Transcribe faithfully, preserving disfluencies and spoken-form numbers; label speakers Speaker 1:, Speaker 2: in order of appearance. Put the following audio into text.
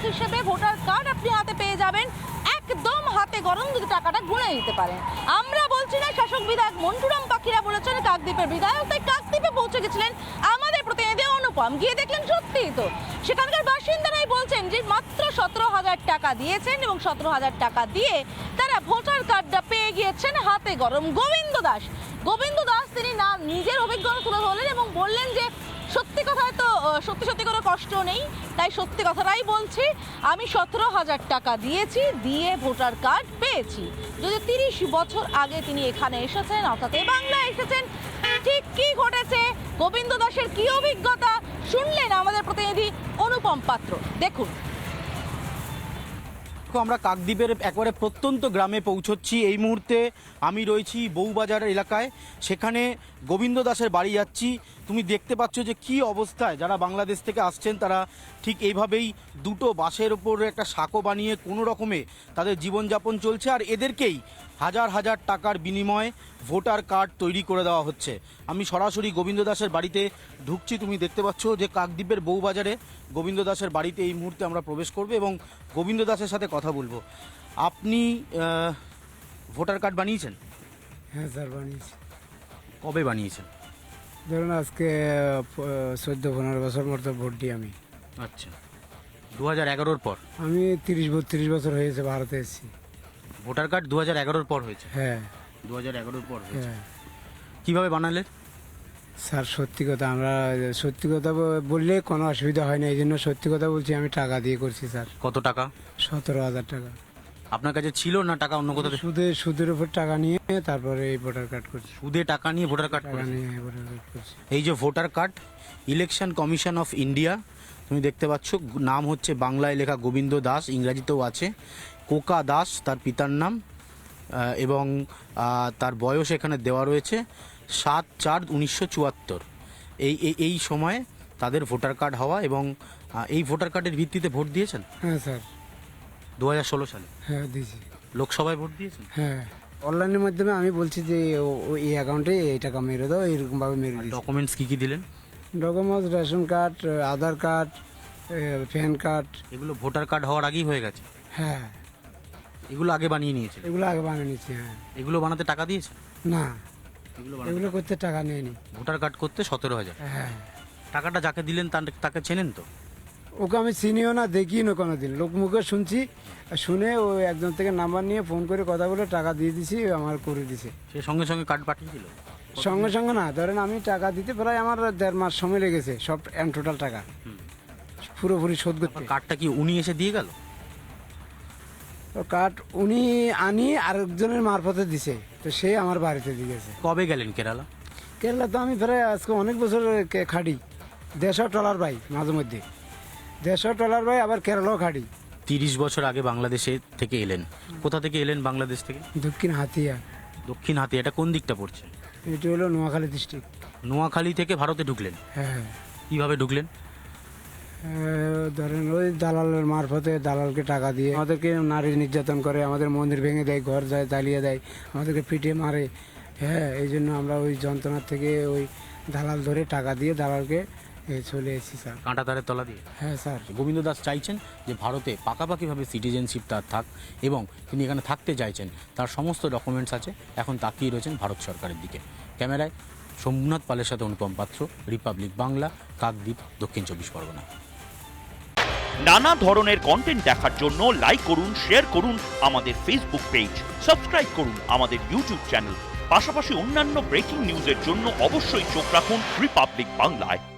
Speaker 1: হিসেবে voter card আপনি হাতে পেয়ে যাবেন, একদম হাতে গরম যদি টাকাটা গুনে নিতে পারেন। আমরা বলছি না, শাসক বিধায়ক মন্টুরাম পাখিরা বলেছেন কাকদ্বীপের বিধায়ক, তাই কাকদ্বীপে পৌঁছে গেছিলেন আমাদের প্রতিনিধি অনুপম, গিয়ে দেখলেন সত্যিই তো সেখানকার বাসিন্দারাই বলছেন যে মাত্র সতেরো হাজার টাকা দিয়েছেন এবং সতেরো হাজার টাকা দিয়ে তারা ভোটার কার্ডটা পেয়ে গিয়েছেন হাতে গরম। গোবিন্দ দাস গোবিন্দ দাস তিনি না নিজের অভিজ্ঞতা তুলে ধরলেন এবং বললেন যে সত্যি কথায় তো সত্যি সত্যি কোনো কষ্ট নেই, তাই সত্যি কথাটাই বলছি, আমি সতেরো হাজার টাকা দিয়েছি, দিয়ে ভোটার কার্ড পেয়েছি। যদি তিরিশ বছর আগে তিনি এখানে এসেছেন, অর্থাৎ এই বাংলায় এসেছেন, ঠিক কি ঘটেছে, গোবিন্দ দাসের কি অভিজ্ঞতা শুনলেন আমাদের প্রতিনিধি অনুপম পাত্র। দেখুন,
Speaker 2: আমরা কাকদ্বীপের একবারে প্রত্যন্ত গ্রামে পৌঁছচ্ছি। এই মুহূর্তে আমি রয়েছি বউবাজার এলাকায়, সেখানে গোবিন্দ দাসের বাড়ি যাচ্ছি। তুমি দেখতে পাচ্ছ যে কি অবস্থায় যারা বাংলাদেশ থেকে আসছেন তারা ঠিক এইভাবেই দুটো বাসের ওপর একটা সাঁকো বানিয়ে কোনো রকমে তাদের জীবনযাপন চলছে, আর এদেরকেই হাজার হাজার টাকার বিনিময়ে ভোটার কার্ড তৈরি করে দেওয়া হচ্ছে। আমি সরাসরি গোবিন্দ দাসের বাড়িতে ঢুকছি। তুমি দেখতে পাচ্ছ যে কাকদ্বীপের বউবাজারে গোবিন্দ দাসের বাড়িতে এই মুহূর্তে আমরা প্রবেশ করব এবং গোবিন্দ দাসের সাথে কথা বলবো। আপনি ভোটার কার্ড বানিয়েছেন?
Speaker 3: হ্যাঁ স্যার, বানিয়েছি।
Speaker 2: কবে বানিয়েছেন?
Speaker 3: ধরুন আজকে চোদ্দ পনেরো বছর মতো ভোট দিই আমি।
Speaker 2: আচ্ছা, দু হাজার এগারোর পর?
Speaker 3: আমি তিরিশ বত্রিশ বছর হয়েছে ভারতে এসেছি।
Speaker 2: ভোটার কার্ড দু হাজার এগারোর পর হয়েছে?
Speaker 3: হ্যাঁ,
Speaker 2: দু হাজার এগারোর পর হয়েছে।
Speaker 3: হ্যাঁ
Speaker 2: কীভাবে বানালেন?
Speaker 3: স্যার সত্যি কথা, আমরা সত্যি কথা বললে কোনো অসুবিধা হয় না, এই জন্য সত্যি কথা বলছি, আমি টাকা দিয়ে করছি স্যার।
Speaker 2: কত টাকা?
Speaker 3: সতেরো হাজার টাকা।
Speaker 2: আপনার কাছে ছিল না টাকা অন্য কোথাও?
Speaker 3: সুদে সুদের উপর টাকা নিয়ে তারপরে এই ভোটার কার্ড করছি।
Speaker 2: সুদে টাকা নিয়ে ভোটার কার্ড
Speaker 3: টাকা নিয়ে ভোটার কার্ড করছি।
Speaker 2: এই যে voter card, election commission of India, তুমি দেখতে পাচ্ছ, নাম হচ্ছে বাংলায় লেখা গোবিন্দ দাস, ইংরাজিতেও আছে কোকা দাস তার পিতার নাম, এবং তার বয়স এখানে দেওয়া রয়েছে সাত চার উনিশশো চুয়াত্তর। এই এই সময়ে তাদের ভোটার কার্ড হওয়া, এবং এই ভোটার কার্ডের ভিত্তিতে ভোট দিয়েছেন?
Speaker 3: হ্যাঁ স্যার,
Speaker 2: দু হাজার ষোলো সালে?
Speaker 3: হ্যাঁ দিয়েছি।
Speaker 2: লোকসভায় ভোট দিয়েছেন?
Speaker 3: হ্যাঁ, অনলাইনের মাধ্যমে আমি বলছি যে এই অ্যাকাউন্টে এই টাকা মেরে দাও, এরকমভাবে মেরে দিই।
Speaker 2: ডকুমেন্টস কী কী দিলেন?
Speaker 3: Documents ration card, Aadhaar card, pan card.
Speaker 2: এগুলো ভোটার কার্ড হওয়ার আগেই হয়ে গেছে?
Speaker 3: হ্যাঁ,
Speaker 2: এগুলো আগে বানিয়ে নিয়েছে?
Speaker 3: এগুলো আগে বানিয়ে নিচ্ছি। হ্যাঁ।
Speaker 2: এগুলো বানাতে টাকা দিয়েছে?
Speaker 3: না,
Speaker 2: এগুলো
Speaker 3: এগুলো করতে টাকা নেয়নি।
Speaker 2: ভোটার কার্ড করতে সতেরো হাজার?
Speaker 3: হ্যাঁ।
Speaker 2: টাকাটা যাকে দিলেন তাকে চেনেন তো?
Speaker 3: ওকে আমি চিনিও না, দেখিও না কোনো দিন, লোক মুখে শুনছি, শুনে ও একজন থেকে নাম্বার নিয়ে ফোন করে কথা বলে টাকা দিয়ে দিছি, আমার করে দিছে।
Speaker 2: সে সঙ্গে সঙ্গে কার্ড পাঠিয়ে দিল?
Speaker 3: সঙ্গে সঙ্গে না, ধরেন আমি টাকা দিতে প্রায় আমার দেড় মাস সময় লেগেছে, সব এম টোটাল টাকা পুরোপুরি শোধ করতে।
Speaker 2: কার্ডটা কি উনি এসে দিয়ে গেল?
Speaker 3: কার্ড উনি আনি আরেকজনের মারফতে দিছে, তো সে আমার বাড়িতে দিয়ে গেছে।
Speaker 2: কবে গেলেন কেরালা?
Speaker 3: কেরালা তো আমি প্রায় আজকে অনেক বছর খাটি, দেড়শো টলার ভাই, মাঝে মধ্যে দেড়শো টলার ভাই, আবার কেরালাও খাটি।
Speaker 2: তিরিশ বছর আগে বাংলাদেশে থেকে এলেন। কোথা থেকে এলেন বাংলাদেশ থেকে?
Speaker 3: দক্ষিণ হাতিয়া।
Speaker 2: দক্ষিণ হাতিয়া, এটা কোন দিকটা পড়ছে?
Speaker 3: এটি হলো নোয়াখালী ডিস্ট্রিক্ট।
Speaker 2: নোয়াখালী থেকে ভারতে ঢুকলেন?
Speaker 3: হ্যাঁ।
Speaker 2: কিভাবে ঢুকলেন?
Speaker 3: ধরেন ওই দালালের মারফতে, দালালকে টাকা দিয়ে আমাদেরকে নারী নির্যাতন করে, আমাদের মন্দির ভেঙে দেয়, ঘর যায় জ্বালিয়ে দেয়, আমাদেরকে পিটিয়ে মারে। হ্যাঁ, এই জন্য আমরা ওই যন্ত্রণার থেকে ওই দালাল ধরে টাকা দিয়ে দালালকে চলে এসেছি স্যার।
Speaker 2: কাঁটা তারের তলা দিয়ে?
Speaker 3: হ্যাঁ স্যার।
Speaker 2: গোবিন্দ দাস চাইছেন যে ভারতে পাকাপাকিভাবে সিটিজেনশিপ তার থাক, এবং তিনি এখানে থাকতে চাইছেন, তার সমস্ত ডকুমেন্টস আছে। এখন তাকিয়ে রয়েছেন ভারত সরকারের দিকে। ক্যামেরায় সোমনাথ পালের সাথে অনুপম পাত্র, রিপাবলিক বাংলা, কাকদ্বীপ, দক্ষিণ চব্বিশ পরগনা।
Speaker 4: নানা ধরনের কন্টেন্ট দেখার জন্য লাইক করুন, শেয়ার করুন আমাদের ফেসবুক পেজ, সাবস্ক্রাইব করুন আমাদের ইউটিউব চ্যানেল। পাশাপাশি অন্যান্য ব্রেকিং নিউজের জন্য অবশ্যই চোখ রাখুন রিপাবলিক বাংলায়।